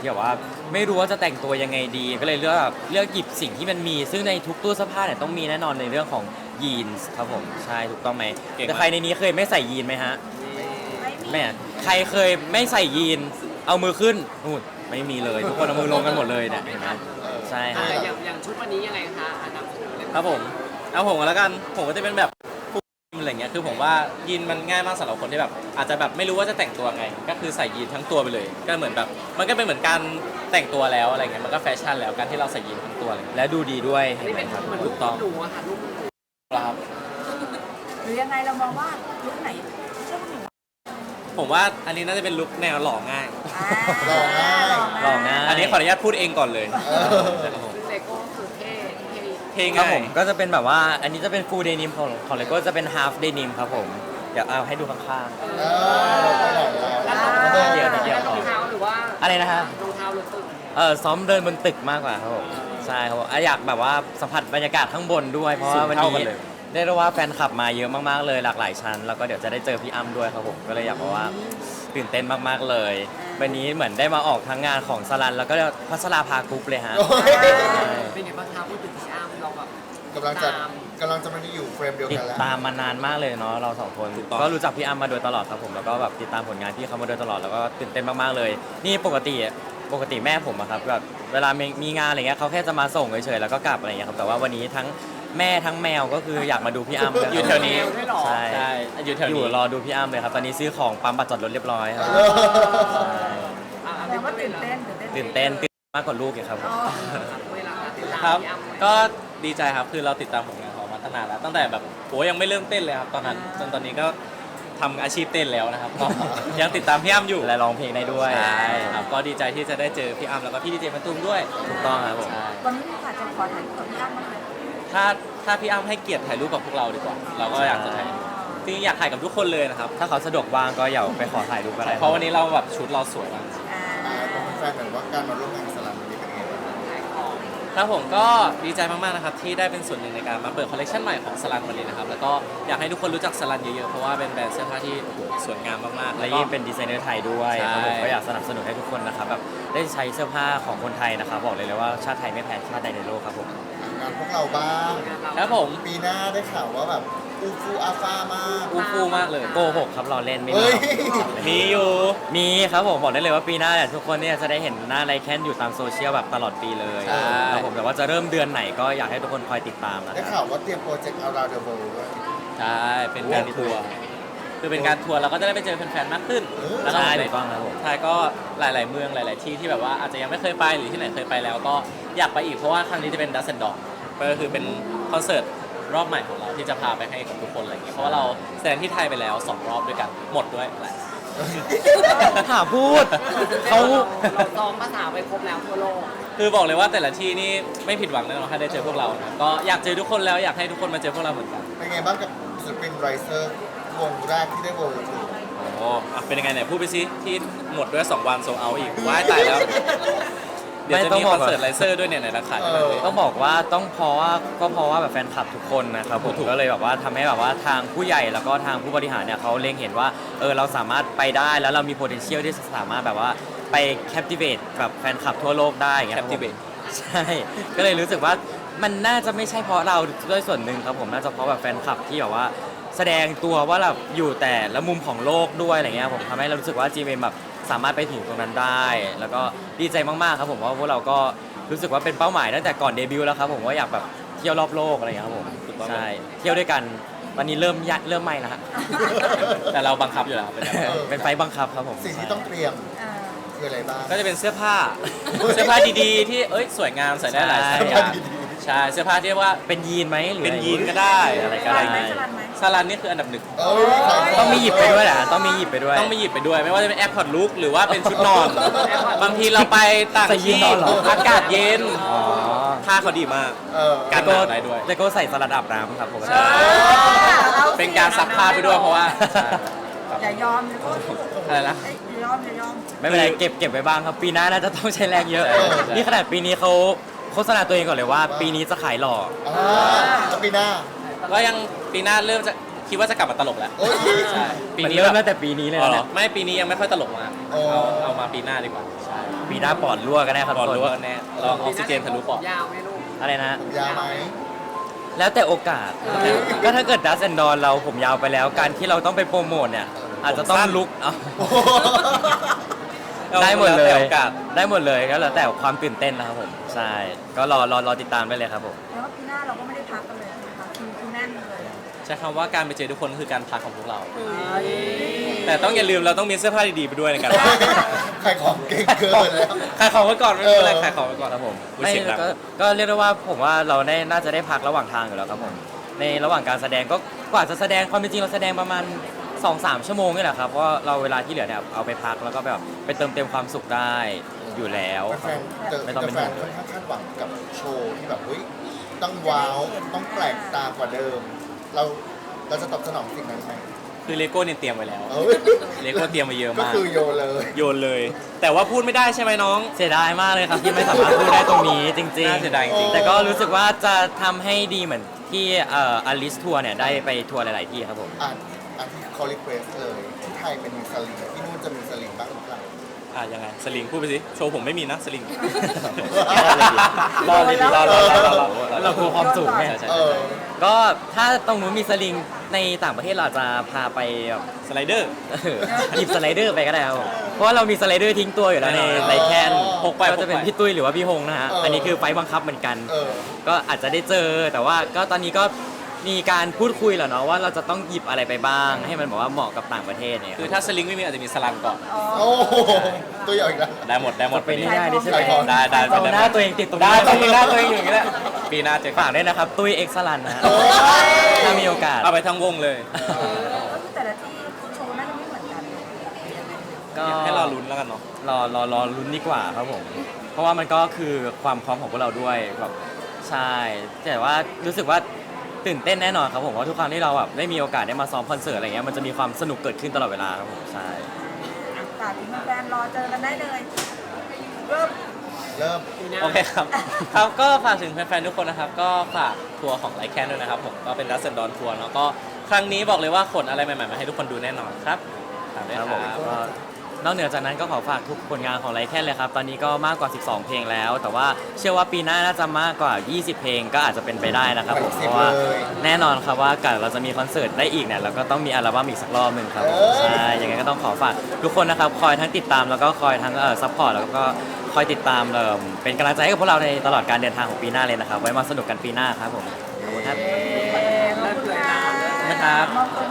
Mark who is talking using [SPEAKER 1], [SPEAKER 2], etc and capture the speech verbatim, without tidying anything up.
[SPEAKER 1] ที่แบบว่าไม่รู้ว่าจะแต่งตัวยังไงดี ก็เลยเลือกแบบเลือกหยิบสิ่งที่มันมี ซึ่งในทุกตู้เสื้อผ้าเนี่ยต้องมีแน่นอนในเรื่องของยีนส์ครับผมใช่ถูกต้องไหมแต่ใครในนี้เคยไม่ใส่ยีนไหมฮะแม่ใครเคยไม่ใส่ยีนเอามือขึ้นนู่นไม่มีเลยทุกคนเอามือลงกันหมดเลยเนี่ยเห็นไหมใช่
[SPEAKER 2] อ่ะ
[SPEAKER 1] ฮะ
[SPEAKER 2] อย่างอย่างชุดวันนี้ยังไงคะอันดับสูงเลย
[SPEAKER 3] ครับผมเอาผมแล้วกันผมก็จะเป็นแบบฟูอะไรเงี้ยคือผมว่ายีนมันง่ายมากสำหรับคนที่แบบอาจจะแบบไม่รู้ว่าจะแต่งตัวไง ก็คือใส่ยีนทั้งตัวไปเลย ก็เหมือนแบบมันก็เป็นเหมือนการแต่งตัวแล้วอะไรเงี้ยมันก็แฟชั่นแล้วการที่เราใส่ยีนทั้งตัวเลย
[SPEAKER 1] และดูดีด้วย
[SPEAKER 2] อัน
[SPEAKER 1] เห็น
[SPEAKER 2] นี้
[SPEAKER 1] ไหม
[SPEAKER 2] เป็น
[SPEAKER 1] ครับ
[SPEAKER 2] เหมือน
[SPEAKER 1] ถู
[SPEAKER 2] ลูก
[SPEAKER 1] กต้อง
[SPEAKER 2] หนูอะค่ะลูกหนู
[SPEAKER 3] ครับ
[SPEAKER 4] หรือยังไงเรามองว่าลุคไหนเชื่อหนู
[SPEAKER 3] ผมว่าอันนี้น่าจะเป็นลุคแนวหล่อง่าย
[SPEAKER 4] หล่อง่าย
[SPEAKER 1] หล่อง่าย
[SPEAKER 3] อันนี้ขออนุญาตพูดเองก่อนเลย
[SPEAKER 2] ซึ่งเลโก้คือเท่เท่
[SPEAKER 3] เพลง
[SPEAKER 1] ครับ
[SPEAKER 3] ง่า
[SPEAKER 1] ผ
[SPEAKER 3] ย
[SPEAKER 1] มก็จะเป็นแบบว่าอันนี้จะเป็น full denim ของของเลโก้จะเป็น half denim ครับผมเดี๋ยวเอาให้ดูข้าง
[SPEAKER 4] เออไปไหนแล้ว
[SPEAKER 2] แล้ว
[SPEAKER 1] เดี๋ยวเดี๋ยว
[SPEAKER 2] รองเท้าหรือว่า
[SPEAKER 1] ๆอะไรนะฮะ
[SPEAKER 2] รองเท้าหรือตึก
[SPEAKER 1] เออซ้อมเดินบนตึกมากกว่าครับผมใช่ครับผมอ่ะอยากแบบว่าสัมผัสบรรยากาศข้างบนด้วย เพราะว่าวันนี้ได้รู้ว่าแฟนคลับมาเยอะมากๆเลยหลากหลายชั้น แล้วก็เดี๋ยวจะได้เจอพี่อ้ำด้วยครับผมก็เลยอยากบอกว่าตื่นเต้นมากๆเลย วันนี้เหมือนได้มาออกทั้งงานของสลันแล้วก็พัชราภากรุ๊ปเลยฮะ
[SPEAKER 2] เป็นไงบ้างคะพูดถึงพี่อ้ำเราแบบ
[SPEAKER 4] กำลังจะกำลังจะมาอยู่เฟรมเดียว
[SPEAKER 1] ติ
[SPEAKER 4] กั
[SPEAKER 1] ด
[SPEAKER 4] นแล้ว
[SPEAKER 1] ตามมานานมากเลยเนาะเราสองคนก็รู้จักพี่อ้ำมาโดยตลอดครับผมแล้วก็แบบติดตามผลงานพี่เขามาโดยตลอดแล้วก็ตื่นเต้นมากๆเลย นี่ปกติปกติแม่ผมอะครับแบบเวลามีมีงานอะไรเงี้ยเขาแค่จะมาส่งเฉยๆแล้วก็กลับอะไรเงี้ยครับแต่ว่าวันนี้ทั้งแม่ทั้งแมวก็คืออยากมาดูพี่อ้ำเลย
[SPEAKER 3] อยู่แถวนี้
[SPEAKER 2] ด้วยเหรอ
[SPEAKER 1] ใช่
[SPEAKER 3] ใช่อยู่แถว
[SPEAKER 1] อยู่
[SPEAKER 3] นี้
[SPEAKER 1] รอดูพี่อ้ำเลยครับตอนนี้ซื้อของปั๊มบัตรจอดรถเรียบร้อยครับ
[SPEAKER 2] อ่ะ
[SPEAKER 4] แปลว่าตื่นเต้น
[SPEAKER 1] ตื่นเต้นตื่นมากกว่าลูกอีกครับผม
[SPEAKER 2] เวลาติดตาม
[SPEAKER 3] ครับ
[SPEAKER 2] พี่อ้ำ
[SPEAKER 3] ก็ดีใจครับ คือเราติดตามผลงานเขามาตั้งนานแล้ว ตั้งแต่แบบโหยังไม่เริ่มเต้นเลยครับตอนนั้น จนตอนนี้ก็ทำอาชีพเต้นแล้วนะครับ ก็ยังติดตามพี่อ้ำอยู่
[SPEAKER 1] และร้องเพลงได้ด้วย
[SPEAKER 3] ใช่ครับ ก็ดีใจที่จะได้เจอพี่อ้ำแล้วก็พี่ดีเจมันตุ้มด้วย
[SPEAKER 1] ถูกต้องครับผม
[SPEAKER 3] ใช่
[SPEAKER 4] วันนี้มีโอกาสจะขอถ่ายรูปกับพี่อ้ำไหมคะ
[SPEAKER 3] ถ้าถ้าพี่อ้ำให้เกียรติถ่ายรูปกับพวกเราดีกว่า เราก็อยากจะถ่ายจริงๆอยากถ่ายกับทุกคนเลยนะครับ
[SPEAKER 1] ถ้าเขาสะดวกว่างก็อย่าไปขอถ่ายรูปก็ได้
[SPEAKER 3] เพราะวันนี้เราแบบชุดเราสวยมาก
[SPEAKER 4] อ่าอ่าต้องแฟนหน่อยว่าการมาร่วมงานสลัมวันนี้เป็นไงบ้าง
[SPEAKER 3] ครับผมก็ดีใจมากๆนะครับที่ได้เป็นส่วนหนึ่งในการมาเปิดคอลเลคชันใหม่ของสลันวันนี้นะครับแล้วก็อยากให้ทุกคนรู้จักสลันเยอะๆเพราะว่าเป็นแบรนด์เสื้อผ้าที่โอ้โหสวยงามมากๆ
[SPEAKER 1] และ
[SPEAKER 3] แล้วก็
[SPEAKER 1] ยิ่งเป็นดีไซเนอร์ไทยด้วย
[SPEAKER 3] ใช่
[SPEAKER 1] ครับผมก็อยากสนับสนุนให้ทุกคนนะครับแบบได้ใช้เสื้อผ้าของคนไทยนะครับบอกเลยเลยว่าชาติไทยไม่แพ้ชาติใดในโลกครับผม
[SPEAKER 4] งานพวกเราบ้าง
[SPEAKER 3] ครับผม
[SPEAKER 4] ปีหน้าได้ข่าวว่าแบบอูฟูอาฟามาก
[SPEAKER 3] อูฟูมากเลย
[SPEAKER 1] โกหกครับเราเล่นไม่มี
[SPEAKER 4] เฮ้ย
[SPEAKER 3] มีอยู่
[SPEAKER 1] มีครับผมบอกได้เลยว่าปีหน้าเนี่ยทุกคนเนี่ยจะได้เห็นหน้าไรแคนอยู่ตามโซเชียลแบบตลอดปีเลย
[SPEAKER 3] ใช่
[SPEAKER 1] ครับผมแต่ว่าจะเริ่มเดือนไหนก็อยากให้ทุกคนคอยติดตามนะ
[SPEAKER 4] ได้
[SPEAKER 1] ครับ
[SPEAKER 4] ข่าวว่าเตรียมโปรเจกต์เอาราเดอร์โบด้วย
[SPEAKER 3] ใช่เป็นการทัวร์คือเป็นการทัวร์เราก็จะได้ไปเจอแฟนๆมากขึ้นแล้วก็
[SPEAKER 1] ใช่ถูกต้องครับผม
[SPEAKER 3] ใช่ก็หลาย ๆ เมืองหลาย ๆ ที่ที่แบบว่าอาจจะยังไม่เคยไปหรือที่ไหนเคยไปแล้วก็อยากไปอีกเพราะว่าครั้งนี้จะเป็นดัซเซนดอกก็คือเป็นคอนเสิร์ตรอบใหม่ของเราที่จะพาไปให้กับทุกคนอะไรอย่างเงี้ยเพราะว่าเราแสดงที่ไทยไปแล้วสองรอบด้วยกันหมดด้วยแหละ
[SPEAKER 1] ถามพูดเขา
[SPEAKER 2] เราซ้อมภาษาไปครบแล้วทั่วโลก
[SPEAKER 3] คือบอกเลยว่าแต่ละที่นี่ไม่ผิดหวังแน่นอนถ้าได้เจอพวกเรานะก็อยากเจอทุกคนแล้วอยากให้ทุกคนมาเจอพวกเราเหมือนกัน
[SPEAKER 4] เป็นไงบ้างกับศิลปินไรเซอร์วงแรกที่ได้เวิลด์ทัวร์
[SPEAKER 3] โอ้อ่ะเป็นยังไงไหนพูดไปสิที่หมดด้วยสองวันโซเอาอีกว้ายตายแล้ว เดี๋ยวจะมีคอนเสิร์ตไลเซอร์ด้วยเนี่ยไหนราคา
[SPEAKER 4] เออ
[SPEAKER 1] ต้องบอกว่าต้องเพราะว่าก็เพราะว่าแบบแฟนคลับทุกคนนะครับผมก็เลยแบบว่าทำให้แบบว่าทางผู้ใหญ่แล้วก็ทางผู้บริหารเนี่ยเขาเล็งเห็นว่าเออเราสามารถไปได้แล้วเรามี potential ที่สามารถแบบว่าไป captivate แบบแฟนคลับทั่วโลกได้อย่างเงี้ยครับผม
[SPEAKER 3] Captivate
[SPEAKER 1] ใช่ ก็เลยรู้สึกว่ามันน่าจะไม่ใช่เพราะเราด้วยส่วนหนึ่งครับผมน่าจะเพราะแบบแฟนคลับที่แบบว่าแสดงตัวว่าเราอยู่แต่ละมุมของโลกด้วยอะไรเงี้ยผมทำให้เรารู้สึกว่า จี เอ็ม แบบสามารถไปถึงตรงนั้นได้ แล้วก็ดีใจมากๆครับผมว่าพวกเราก็รู้สึกว่าเป็นเป้าหมายตั้งแต่ก่อนเดบิวต์แล้วครับผมว่าอยากแบบเที่ยวรอบโลกอะไรอย่างเงี้ยครับผมใช่เที่ยวด้วยกันวันนี้เริ่มยะเริ่มไม่แล้วฮะ
[SPEAKER 3] แต่เราบังคับอยู่แล้วเป็นแบบนั้น
[SPEAKER 1] เป็นไฟล์บังคับครับผม
[SPEAKER 4] สิ่งที่ต้องเตรียมคืออะไรบ้าง
[SPEAKER 3] ก็จะเป็นเสื้อผ้า เสื้อผ้าดีๆ ที่เอ้ยสวยงามใส่ได้หลายสไตล์อย่างใช่เสื้อผ้าที่เรียกว่า
[SPEAKER 1] เป็นยีนไหมหรือ
[SPEAKER 3] เป็น
[SPEAKER 1] อะไร
[SPEAKER 3] ยีนก็ได้
[SPEAKER 1] อะไร
[SPEAKER 4] ส
[SPEAKER 1] ก็
[SPEAKER 4] ลั
[SPEAKER 1] ได้
[SPEAKER 4] นไหมสลันไหม
[SPEAKER 3] ซาลันนี่คืออันดับหนึ่ง
[SPEAKER 4] เอ้ยขายข
[SPEAKER 1] ต้องมีหยิบไปด้วยแหละต้องมีหยิบไปด้วย
[SPEAKER 3] ต้องไม่หยิบไปด้วย ไม่ว่าจะเป็นแอร์พอร์ตลุกหรือว่าเป็นชุดนอน บางทีเราไปต่าง
[SPEAKER 1] ใส่ยีน
[SPEAKER 3] ที่
[SPEAKER 1] นอนเหรอ
[SPEAKER 3] อากาศเย็น
[SPEAKER 1] อ๋อ
[SPEAKER 3] ผ้าเขาดีมาก
[SPEAKER 4] เออ
[SPEAKER 3] กันหนาวได้ด้วย
[SPEAKER 1] แต่ก็ใส่สลัดอาบน้ำครับผม
[SPEAKER 3] ใช่ เป็นการซักผ้าไปด้วยเพราะว่า
[SPEAKER 4] อย่ายอมเลยก็
[SPEAKER 3] อะไรนะ
[SPEAKER 4] อย่ายอมอย่ายอม
[SPEAKER 1] ไม่เป็นไรเก็บเก็บไว้บ้างครับปีหน้าน่าจะต้องใช้แรงเยอะ
[SPEAKER 3] ใช่ใช่
[SPEAKER 1] นี่ขนาดปีนี้เขาโฆษณาตัวเองก่อนเลยว่า ปีนี้จะขายหล่อ
[SPEAKER 4] อ่าแล้วปีหน้า
[SPEAKER 3] ก็ยังปีหน้าเริ่มจะคิดว่าจะกลับมาตลกแล้ว
[SPEAKER 5] โอ้ย
[SPEAKER 3] ใช่ปี
[SPEAKER 1] มัน
[SPEAKER 3] นี้
[SPEAKER 1] เริ่ม
[SPEAKER 3] แบ
[SPEAKER 1] ตั้
[SPEAKER 3] บ
[SPEAKER 1] งแต่ปีนี้เลย
[SPEAKER 3] อ๋อ
[SPEAKER 1] นะ
[SPEAKER 3] เหร
[SPEAKER 1] เนี่
[SPEAKER 3] อย ไม่ปีนี้ยังไม่ค่อยตลกมาก
[SPEAKER 5] อ๋อ
[SPEAKER 3] เอาเอามาปีหน้าดีกว่าใช่
[SPEAKER 1] ปีหน้าปอดรั่วกันแน่ครับ
[SPEAKER 3] ปอด
[SPEAKER 1] ทุก
[SPEAKER 3] รู้
[SPEAKER 1] ค
[SPEAKER 3] ว่าน แน่ลองออกซิเจนทะลุปอด
[SPEAKER 2] ยาวไหมลูก
[SPEAKER 1] อะไรนะ
[SPEAKER 5] ผมยาวไหม
[SPEAKER 1] แล้วแต่โอกาส ก็ถ้าเกิดดัสแอนดอนเราผมยาวไปแล้ว การที่เราต้องไปโปรโมทเนี่ย อาจจะต้องลุกเอา
[SPEAKER 5] โอ้โห
[SPEAKER 1] ได้หมดเล
[SPEAKER 3] แวแต่
[SPEAKER 1] ย
[SPEAKER 3] โอกาส
[SPEAKER 1] ได้หมดเลยก็แล้วแต่ความตื่นเต้นนะครับผม ใช่ ก็รอรอรอติดตามได้เลยครับผม
[SPEAKER 4] แล้วาปีหน้าเราก็ไม่ได้พักกันเลยนะคะคิวคือแน่นเลย
[SPEAKER 3] ใช้คำว่าการไปเจอทุกคนคือการพักของพวกเรา แต่ต้องอย่าลืมเราต้องมีเสื้อผ้าดีๆไปด้วยในการพัก
[SPEAKER 5] ใครของเก่งเกินแล้ว
[SPEAKER 3] ขายของไว้ก่อนไม่เป็นไร
[SPEAKER 5] เออ
[SPEAKER 3] ขายของไว้ก่อน
[SPEAKER 1] ครับผม
[SPEAKER 3] อุ๊ย
[SPEAKER 1] ไม่
[SPEAKER 3] เสียงดัง
[SPEAKER 1] ก็ก็เรียกได้ว่าผมว่าเราได้น่าจะได้พักระหว่างทางอยู่แล้วครับผมในระหว่างการแสดงก็กว่าจะแสดงความเป็นจริงเราแสดงประมาณ สองสาม ชั่วโมงนี่แหละครับเพราะเราเวลาที่เหลือเนี่ยเอาไปพักแล้วก็แบบไปเติมเต็มความสุขได้อยู่แล้ว
[SPEAKER 5] แฟนๆเจอ
[SPEAKER 1] ไม่ต้องเป็น
[SPEAKER 5] แฟ
[SPEAKER 1] ห่
[SPEAKER 5] น
[SPEAKER 1] วง
[SPEAKER 5] ๆค่อนข้างคาดหวังกับโชว์ที่แบบเฮ้ยต้องว้าวต้องแปลกตากว่าเดิม เราเราจะตอบสนองสิ่งนั้นไหม
[SPEAKER 3] คือเลโก้เนี่ยเตรียมไว้แล้ว
[SPEAKER 5] เอ้ย
[SPEAKER 3] เลโก้เตรียมมาเยอะ
[SPEAKER 5] ก็
[SPEAKER 3] มาก
[SPEAKER 5] คือโยนเลย
[SPEAKER 3] โยนเลย แต่ว่าพูดไม่ได้ใช่ไหมน้อง
[SPEAKER 1] เสียดายมากเลยครับที่ไม่สามารถพูดได้ตรงนี้จริง
[SPEAKER 3] น่าเสียดายจริง
[SPEAKER 1] ๆ แต่ก็รู้สึกว่าจะทำให้ดีเหมือนที่เอ่ออลิสทัวร์เนี่ยได้ไปทัวร์หลาย ๆ ที่ครับผม
[SPEAKER 5] อ่านอันที่เขารีเควสเลยที่ไทยเป็นมีสลิงที่นู่นจะมีสลิงบ้างหรือเปล่า
[SPEAKER 3] อ่ะยังไงสลิงพูดไปสิโชว์ผมไม่มีนะสลิง
[SPEAKER 1] รอเลยดิรอรอรอรอรอ
[SPEAKER 5] เออ
[SPEAKER 1] เรากลัวความสูงไง
[SPEAKER 3] ใช่ใช่
[SPEAKER 5] เออ
[SPEAKER 1] ก็ถ้าตรงนู้นมีสลิงในต่างประเทศเราอาจจะพาไปแบบ
[SPEAKER 3] สไลเดอร์
[SPEAKER 1] เออหยิบสไลเดอร์ไปก็ได้ครับผมเพราะว่าเรามีสไลเดอร์ทิ้งตัวอยู่แล้วใน
[SPEAKER 3] แน่นอน
[SPEAKER 1] ไรแคน
[SPEAKER 3] พกไป
[SPEAKER 1] ก็จะเป็น
[SPEAKER 3] พกไป
[SPEAKER 1] พี่ตุ้ยหรือว่าพี่ฮงนะฮะ
[SPEAKER 5] เอออั
[SPEAKER 1] อันนี้คือไฟล์บังคับเหมือนกัน
[SPEAKER 5] เออ
[SPEAKER 1] ก็อาจจะได้เจอแต่ว่าก็ตอนนี้ก็มีการพูดคุยแหละเนาะว่าเราจะต้องหยิบอะไรไปบ้าง ให้มันบอกว่าเหมาะกับต่างประเทศเนี่ย
[SPEAKER 3] คือถ้าสลิงไม่มีอาจจะมีสลันก่อน
[SPEAKER 4] อ๋อ
[SPEAKER 5] โอ้โหตัวใหญ่อีกแล้ว
[SPEAKER 3] ได้หมดได้หมด
[SPEAKER 1] เป็น
[SPEAKER 3] นี้
[SPEAKER 1] ง่ายๆดิใช่ไหม
[SPEAKER 5] ขายของ
[SPEAKER 3] ได้ได้
[SPEAKER 1] เอาหน้าตัวเองติดตรง
[SPEAKER 3] ได้
[SPEAKER 1] นี้
[SPEAKER 3] ต้องมีหน้าตัวเองอยู่อย่างนี้แหละปีหน้าเจอ
[SPEAKER 1] ฝากด้วยนะครับตุ้ยเอ็กซ์ลันนะฮะ
[SPEAKER 5] โอ้ย
[SPEAKER 1] ถ้ามีโอกาส
[SPEAKER 3] เอาไปทั้งวงเลย
[SPEAKER 4] ก็คือแต่ละที่โชว์น่าจะไม่เหมือนกัน
[SPEAKER 1] ก็
[SPEAKER 3] ให้รอลุ้นแล้วกันเนาะ
[SPEAKER 1] รอรอรอลุ้นดีกว่าครับผม เพราะว่ามันก็คือความพร้อมของพวกเราด้วยแบบใช่แต่ว่ารู้สึกว่าตื่นเต้นแน่นอนครับผมเพราะทุกครั้งที่เราแบบได้มีโอกาสได้มาซ้อมคอนเสิร์ตอะไรเงี้ยมันจะมีความสนุกเกิดขึ้นตลอดเวลาครับผมใช่
[SPEAKER 4] อ่ะฝากถึงแฟนๆรอเจอกันได้เลยเริ่ม
[SPEAKER 5] เริ่ม
[SPEAKER 2] ปีหน้า
[SPEAKER 3] โอเคครับ ครับก็ฝากถึงแฟนๆทุกคนนะครับ ก็ฝากทัวร์ของไลแคนด้วยนะครับผมก็เป็นรัสเซนดอนทัวร์เนาะก็ครั้งนี้บอกเลยว่าขนอะไรใหม่ๆมาให้ทุกคนดูแน่นอนครับฝากด้วย
[SPEAKER 1] ค
[SPEAKER 3] ค
[SPEAKER 1] รั
[SPEAKER 3] รั
[SPEAKER 1] บบ ผมก็นอกเหนือจากนั้นก็ขอฝากทุกผลงานของไลแคนเลยครับ ตอนนี้ก็มากกว่า สิบสอง เพลงแล้ว แต่ว่าเชื่อว่าปีหน้าน่าจะมากกว่า ยี่สิบ เพลงก็อาจจะเป็นไปได้นะครับผม
[SPEAKER 5] สิ
[SPEAKER 1] เพ
[SPEAKER 5] บ
[SPEAKER 1] ราะว่า
[SPEAKER 5] เลย
[SPEAKER 1] แน่นอนครับว่าการเราจะมีคอนเสิร์ตได้อีกเนี่ยเราก็ต้องมีอัลบั้มอีกสักรอบหนึ่งครับผม
[SPEAKER 5] เอ้ย
[SPEAKER 1] ใช่ยังไงก็ต้องขอฝากทุกคนนะครับคอยทั้งติดตามแล้วก็คอยทั้งเอ่อซัพพอร์ตแล้วก็คอยติดตามเอ่อเป็นกำลังใจให้กับพวกเราในตลอดการเดินทางของปีหน้าเลยนะครับไว้มาสนุกกันปีหน้าครับผมขอบคุณครับ
[SPEAKER 4] ขอบคุณค่ะ
[SPEAKER 1] นะครับ
[SPEAKER 4] มอบตัว